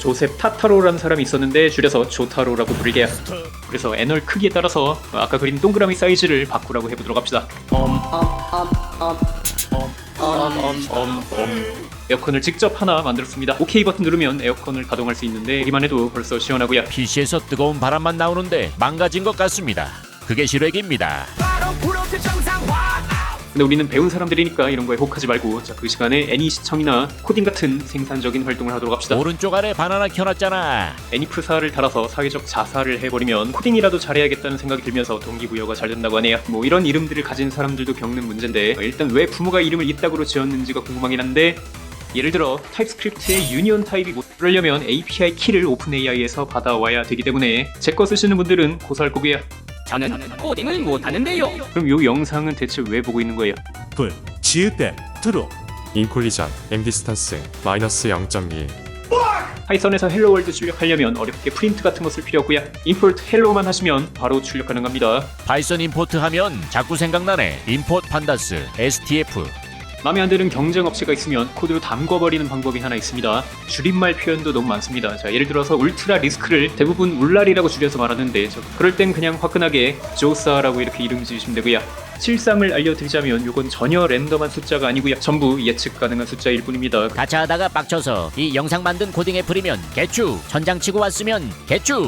조셉 타타로라는 사람이 있었는데 줄여서 조타로라고 부르게요. 그래서 애널 크기에 따라서 아까 그린 동그라미 사이즈를 바꾸라고 해보도록 합시다. 에어컨을 직접 하나 만들었습니다. OK 버튼 누르면 에어컨을 가동할 수 있는데 보기만 해도 벌써 시원하고요. PC에서 뜨거운 바람만 나오는데 망가진 것 같습니다. 그게 실외기입니다. 근데 우리는 배운 사람들이니까 이런 거에 혹하지 말고 자, 그 시간에 애니 시청이나 코딩 같은 생산적인 활동을 하도록 합시다. 오른쪽 아래 바나나 켜놨잖아. 애니프사를 달아서 사회적 자살을 해버리면 코딩이라도 잘해야겠다는 생각이 들면서 동기부여가 잘 된다고 하네요. 뭐 이런 이름들을 가진 사람들도 겪는 문제인데 일단 왜 부모가 이름을 이따구로 지었는지가 궁금하긴 한데 예를 들어 타입스크립트의 유니온 타입이 못 그러려면 API 키를 오픈AI에서 받아와야 되기 때문에 제 거 쓰시는 분들은 고소할 거고요. 저는 코딩을 못하는데요. 그럼 이 영상은 대체 왜 보고 있는 거예요? 불, 지읒댐, 트루. 인콜리전, 엠디스턴스, 마이너스 0.2 파이썬에서 헬로월드 출력하려면 어렵게 프린트 같은 거 쓸 필요 없고요. 임포트 헬로만 하시면 바로 출력 가능합니다. 파이썬 임포트 하면 자꾸 생각나네. 임포트 판다스, STF. 마음에 안 드는 경쟁 업체가 있으면 코드로 담궈버리는 방법이 하나 있습니다. 줄임말 표현도 너무 많습니다. 자, 예를 들어서 울트라 리스크를 대부분 울랄이라고 줄여서 말하는데 그럴 땐 그냥 화끈하게 조사라고 이렇게 이름 지으시면 되고요. 실상을 알려드리자면 이건 전혀 랜덤한 숫자가 아니고요. 전부 예측 가능한 숫자일 뿐입니다. 가차하다가 빡쳐서 이 영상 만든 코딩 애플이면 개추. 전장 치고 왔으면 개추.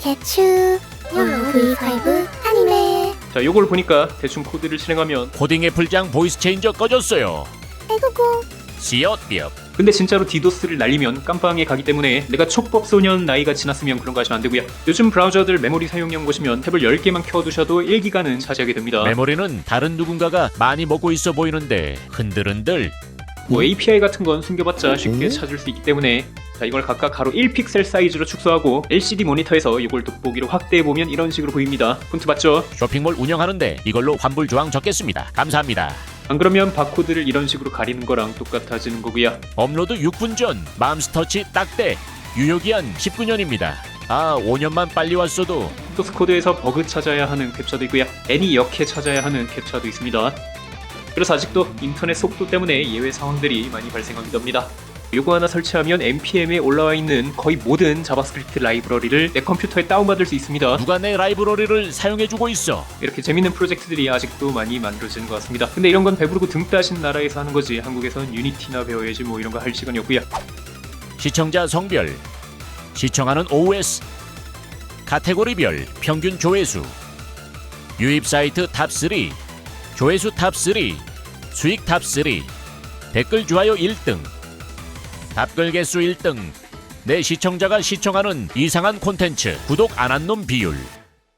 개추 영어 V5 아니메. 자, 요걸 보니까 대충 코드를 실행하면 코딩 애플장 보이스 체인저 꺼졌어요. 에구구 씨엇비업. 근데 진짜로 디도스를 날리면 깜빵에 가기 때문에 내가 촉법소년 나이가 지났으면 그런 거 하시면 안 되고요. 요즘 브라우저들 메모리 사용량 보시면 탭을 10개만 켜두셔도 1기가는 차지하게 됩니다. 메모리는 다른 누군가가 많이 먹고 있어 보이는데 흔들흔들. 뭐 API 같은 건 숨겨봤자 쉽게 찾을 수 있기 때문에 자, 이걸 각각 가로 1픽셀 사이즈로 축소하고 LCD 모니터에서 이걸 돋보기로 확대해보면 이런 식으로 보입니다. 폰트 맞죠? 쇼핑몰 운영하는데 이걸로 환불 조항 적겠습니다. 감사합니다. 안 그러면 바코드를 이런 식으로 가리는 거랑 똑같아지는 거고요. 업로드 6분 전 맘스터치 딱대. 유효기한 19년입니다. 아, 5년만 빨리 왔어도. 소스 코드에서 버그 찾아야 하는 캡처도 있고요. 애니 역해 찾아야 하는 캡처도 있습니다. 그래서 아직도 인터넷 속도 때문에 예외 상황들이 많이 발생하기도 합니다. 요거 하나 설치하면 npm에 올라와 있는 거의 모든 자바스크립트 라이브러리를 내 컴퓨터에 다운받을 수 있습니다. 누가 내 라이브러리를 사용해주고 있어. 이렇게 재밌는 프로젝트들이 아직도 많이 만들어지는 것 같습니다. 근데 이런 건 배부르고 등 따신 나라에서 하는 거지 한국에선 유니티나 배워야지 뭐 이런 거 할 시간이 없고요. 시청자 성별, 시청하는 OS, 카테고리별 평균 조회수, 유입 사이트 탑3, 조회수 탑3, 수익 탑3, 댓글 좋아요 1등, 답글 개수 1등, 내 시청자가 시청하는 이상한 콘텐츠, 구독 안 한 놈 비율.